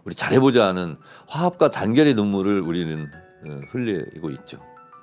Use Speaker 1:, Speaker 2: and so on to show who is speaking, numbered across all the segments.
Speaker 1: 우리 잘해보자 하는 화합과 단결의 눈물을 우리는 흘리고 있죠.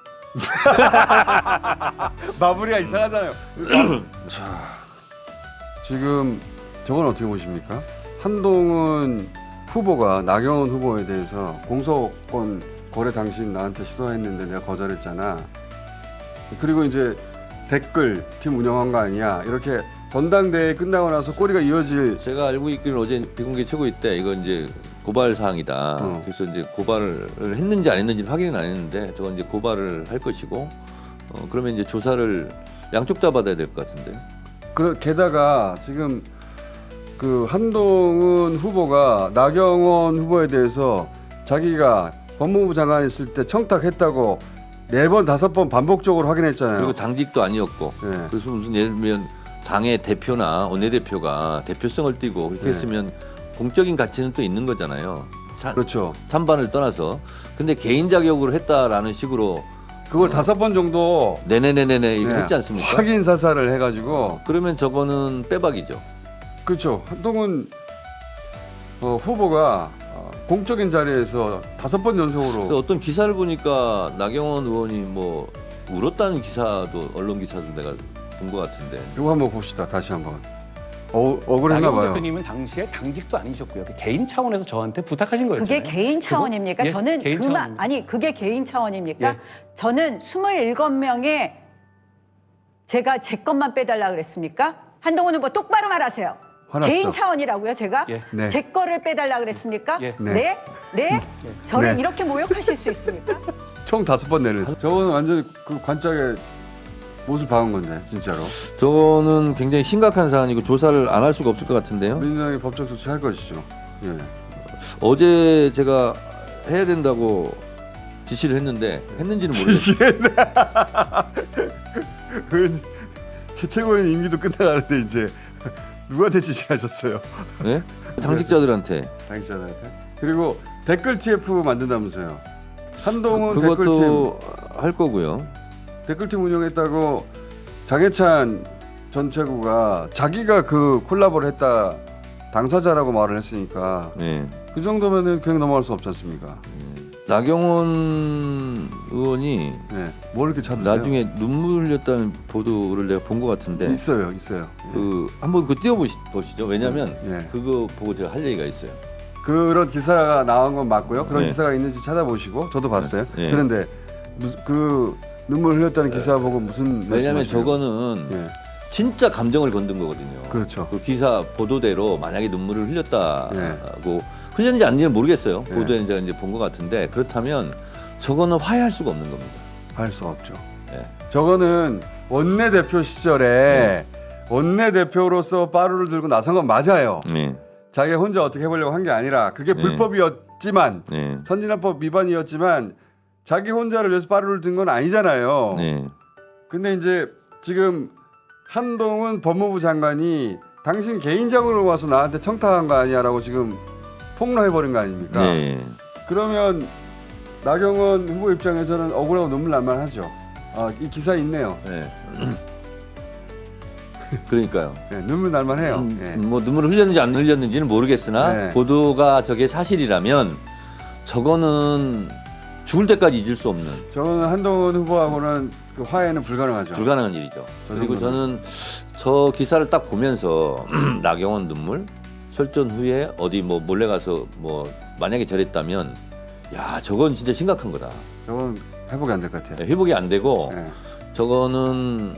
Speaker 2: 마무리가 이상하잖아요. 자, 지금 저건 어떻게 보십니까? 한동훈 후보가 나경원 후보에 대해서 공소권 거래 당신 나한테 시도했는데 내가 거절했잖아. 그리고 이제 댓글 팀 운영한 거 아니야. 이렇게 전당대회 끝나고 나서 꼬리가 이어질.
Speaker 1: 제가 알고 있기는 어제 비공개 최고위 때 이거 이제 고발 사항이다. 그래서 이제 고발을 했는지 안 했는지 확인은 안 했는데 저건 이제 고발을 할 것이고 그러면 이제 조사를 양쪽 다 받아야 될 것 같은데.
Speaker 2: 게다가 지금 그 한동훈 후보가 나경원 후보에 대해서 자기가 법무부 장관 있을 때 청탁했다고 4번, 5번 반복적으로 확인했잖아요.
Speaker 1: 그리고 당직도 아니었고.
Speaker 2: 네.
Speaker 1: 그래서 무슨 예를 들면 당의 대표나 원내대표가 대표성을 띠고 그렇게
Speaker 2: 네.
Speaker 1: 했으면 공적인 가치는 또 있는 거잖아요.
Speaker 2: 그렇죠.
Speaker 1: 찬반을 떠나서. 근데 개인 자격으로 했다라는 식으로
Speaker 2: 그걸 5번 정도
Speaker 1: 네네네네 이거
Speaker 2: 네,
Speaker 1: 했지 않습니까?
Speaker 2: 확인 사살을 해가지고.
Speaker 1: 그러면 저거는 빼박이죠.
Speaker 2: 그렇죠. 한동훈 후보가 공적인 자리에서 5번 연속으로.
Speaker 1: 그래서 어떤 기사를 보니까 나경원 의원이 뭐 울었다는 기사도 언론 기사도 내가 본 것 같은데.
Speaker 2: 이거 한번 봅시다. 다시 한번. 억울했나
Speaker 3: 나경원
Speaker 2: 봐요.
Speaker 3: 대표님은 당시에 당직도 아니셨고요. 개인 차원에서 저한테 부탁하신 거였잖아요.
Speaker 4: 그게 개인 차원입니까?
Speaker 3: 예?
Speaker 4: 저는
Speaker 3: 개인 차원입니다.
Speaker 4: 아니 그게 개인 차원입니까?
Speaker 3: 예.
Speaker 4: 저는 27명에 제가 제 것만 빼달라 그랬습니까? 한동훈 후보 똑바로 말하세요.
Speaker 2: 화났어.
Speaker 4: 개인 차원이라고요, 제가?
Speaker 3: 예.
Speaker 2: 네.
Speaker 4: 제 거를 빼달라 그랬습니까?
Speaker 3: 예.
Speaker 2: 네.
Speaker 4: 네? 네? 저를
Speaker 2: 네.
Speaker 4: 이렇게 모욕하실 수 있습니까?
Speaker 2: 총 5번 내렸어. 저거는 완전히 그 관짝에 못을 박은 건데 진짜로.
Speaker 1: 저거는 굉장히 심각한 사안이고 조사를 안 할 수가 없을 것 같은데요.
Speaker 2: 민주당이 법적 조치할 것이죠. 예.
Speaker 1: 어제 제가 해야 된다고 지시를 했는데 했는지는 모르겠어요.
Speaker 2: 최고위원 임기도 끝나가는데 이제 누구한테 지시하셨어요?
Speaker 1: 네? 당직자들한테.
Speaker 2: 당직자들한테. 그리고 댓글 TF 만든다면서요. 한동훈 댓글팀
Speaker 1: 그것도 할 거고요.
Speaker 2: 댓글팀 운영했다고 장해찬 전 최고가 자기가 그 콜라보를 했다 당사자라고 말을 했으니까
Speaker 1: 네.
Speaker 2: 그 정도면은 그냥 넘어갈 수 없지 않습니까?
Speaker 1: 나경원 의원이
Speaker 2: 네. 뭘 이렇게 찾으세요?
Speaker 1: 나중에 눈물 흘렸다는 보도를 내가 본 것 같은데
Speaker 2: 있어요. 예.
Speaker 1: 그 한번 그 띄워보시죠. 왜냐하면
Speaker 2: 예.
Speaker 1: 그거 보고 제가 할 얘기가 있어요.
Speaker 2: 그런 기사가 나온 건 맞고요. 그런
Speaker 1: 네.
Speaker 2: 기사가 있는지 찾아보시고 저도 봤어요.
Speaker 1: 네.
Speaker 2: 그런데 그 눈물 흘렸다는 기사 보고 무슨
Speaker 1: 왜냐하면
Speaker 2: 말씀하시나요?
Speaker 1: 저거는
Speaker 2: 예.
Speaker 1: 진짜 감정을 건든 거거든요.
Speaker 2: 그렇죠.
Speaker 1: 그 기사 보도대로 만약에 눈물을 흘렸다고
Speaker 2: 네.
Speaker 1: 흘렸는지 아닌지는 모르겠어요.
Speaker 2: 네.
Speaker 1: 보도에 이제 본 것 같은데 그렇다면 저거는 화해할 수가 없는 겁니다.
Speaker 2: 할 수 없죠.
Speaker 1: 예.
Speaker 2: 저거는 원내대표 시절에 원내대표로서 빠루를 들고 나선 건 맞아요.
Speaker 1: 네.
Speaker 2: 자기가 혼자 어떻게 해보려고 한 게 아니라 그게
Speaker 1: 네.
Speaker 2: 불법이었지만
Speaker 1: 네.
Speaker 2: 선진화법 위반이었지만 자기 혼자를 위해서 빠루를 든 건 아니잖아요.
Speaker 1: 네.
Speaker 2: 근데 이제 지금 한동훈 법무부 장관이 당신 개인적으로 와서 나한테 청탁한 거 아니야라고 지금 폭로해버린 거 아닙니까?
Speaker 1: 네.
Speaker 2: 그러면 나경원 후보 입장에서는 억울하고 눈물 날만 하죠. 이 기사 있네요.
Speaker 1: 네. 그러니까요.
Speaker 2: 네, 눈물 날만 해요. 예.
Speaker 1: 뭐 눈물을 흘렸는지 안 흘렸는지는 모르겠으나
Speaker 2: 네.
Speaker 1: 보도가 저게 사실이라면 저거는 죽을 때까지 잊을 수 없는
Speaker 2: 저는 한동훈 후보하고는 그 화해는 불가능하죠.
Speaker 1: 불가능한 일이죠.
Speaker 2: 저
Speaker 1: 그리고
Speaker 2: 정도는.
Speaker 1: 저는 저 기사를 딱 보면서 나경원 눈물 설전 후에 어디 뭐 몰래 가서 뭐 만약에 저랬다면 야 저건 진짜 심각한 거다.
Speaker 2: 저건 회복이 안 될 것 같아요.
Speaker 1: 회복이 안 되고
Speaker 2: 네.
Speaker 1: 저거는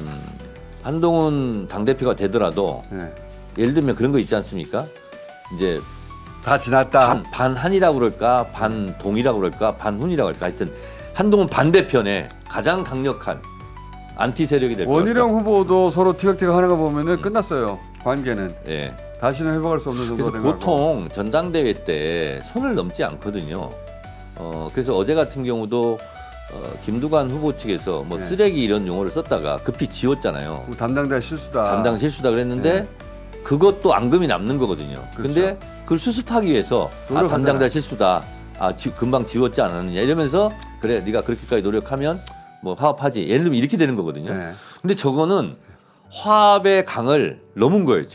Speaker 1: 한동훈 당대표가 되더라도
Speaker 2: 네.
Speaker 1: 예를 들면 그런 거 있지 않습니까? 이제
Speaker 2: 다 지났다.
Speaker 1: 반한이라고 그럴까 반동이라고 그럴까 반훈이라고 할까 하여튼 한동훈 반대편에 가장 강력한 안티 세력이 될 것 같다.
Speaker 2: 원희룡 후보도 서로 티격태격 하는 거 보면은 끝났어요. 관계는
Speaker 1: 예.
Speaker 2: 다시는 회복할 수 없는 정도가
Speaker 1: 그래서
Speaker 2: 된 거고.
Speaker 1: 보통 전당대회 때 선을 넘지 않거든요. 그래서 어제 같은 경우도 김두관 후보 측에서 뭐
Speaker 2: 네.
Speaker 1: 쓰레기 이런 용어를 썼다가 급히 지웠잖아요.
Speaker 2: 담당자 실수다.
Speaker 1: 담당 실수다 그랬는데 그것도 앙금이 남는 거거든요.
Speaker 2: 그렇죠.
Speaker 1: 근데 그걸 수습하기 위해서
Speaker 2: 노력하잖아요.
Speaker 1: 담당자 실수다. 금방 지웠지 않았느냐 이러면서 그래 네가 그렇게까지 노력하면 뭐 화합하지. 예를 들면 이렇게 되는 거거든요.
Speaker 2: 네.
Speaker 1: 근데 저거는 화합의 강을 넘은 거예요 지금.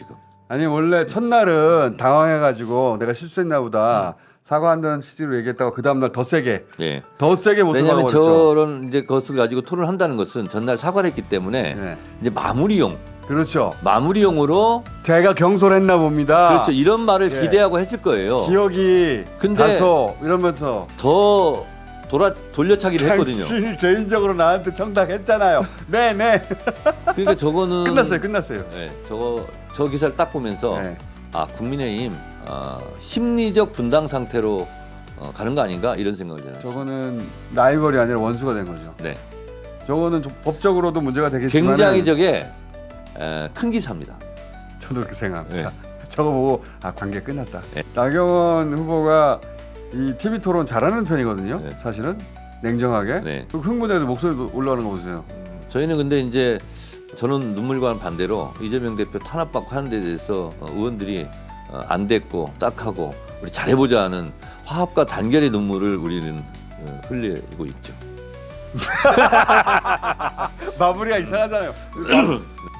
Speaker 2: 아니 원래 첫날은 당황해가지고 내가 실수했나 보다 사과한다는 취지로 얘기했다가 그 다음날 더 세게
Speaker 1: 예.
Speaker 2: 더 세게
Speaker 1: 왜냐하면
Speaker 2: 모습하고 그랬죠.
Speaker 1: 저런 이제 것을 가지고 토론을 한다는 것은 전날 사과를 했기 때문에
Speaker 2: 네.
Speaker 1: 이제
Speaker 2: 그렇죠.
Speaker 1: 마무리용으로
Speaker 2: 제가 경솔했나 봅니다.
Speaker 1: 그렇죠. 이런 말을
Speaker 2: 예.
Speaker 1: 기대하고 했을 거예요.
Speaker 2: 기억이
Speaker 1: 근데
Speaker 2: 가서 이러면서
Speaker 1: 더 돌려차기를 했거든요.
Speaker 2: 당신이 개인적으로 나한테 청탁했잖아요. 네네.
Speaker 1: 그러니까 저거는
Speaker 2: 끝났어요.
Speaker 1: 네, 저 기사를 딱 보면서
Speaker 2: 네.
Speaker 1: 아 국민의힘 심리적 분당 상태로 가는 거 아닌가 이런 생각을 제가 했어요.
Speaker 2: 저거는 라이벌이 아니라 원수가 된 거죠.
Speaker 1: 네,
Speaker 2: 저거는 좀 법적으로도 문제가 되겠지만
Speaker 1: 굉장히 저게 큰 기사입니다.
Speaker 2: 저도 그렇게 생각합니다.
Speaker 1: 네.
Speaker 2: 저거 보고 관계 끝났다.
Speaker 1: 네.
Speaker 2: 나경원 후보가 이 TV 토론 잘하는 편이거든요.
Speaker 1: 네.
Speaker 2: 사실은 냉정하게.
Speaker 1: 네.
Speaker 2: 그 흥분해도 목소리도 올라가는 거 보세요.
Speaker 1: 저희는 근데 이제 저는 눈물과는 반대로 이재명 대표 탄압받고 하는 데 대해서 의원들이 안 됐고 딱하고 우리 잘해보자 하는 화합과 단결의 눈물을 우리는 흘리고 있죠.
Speaker 2: 마무리가 이상하잖아요.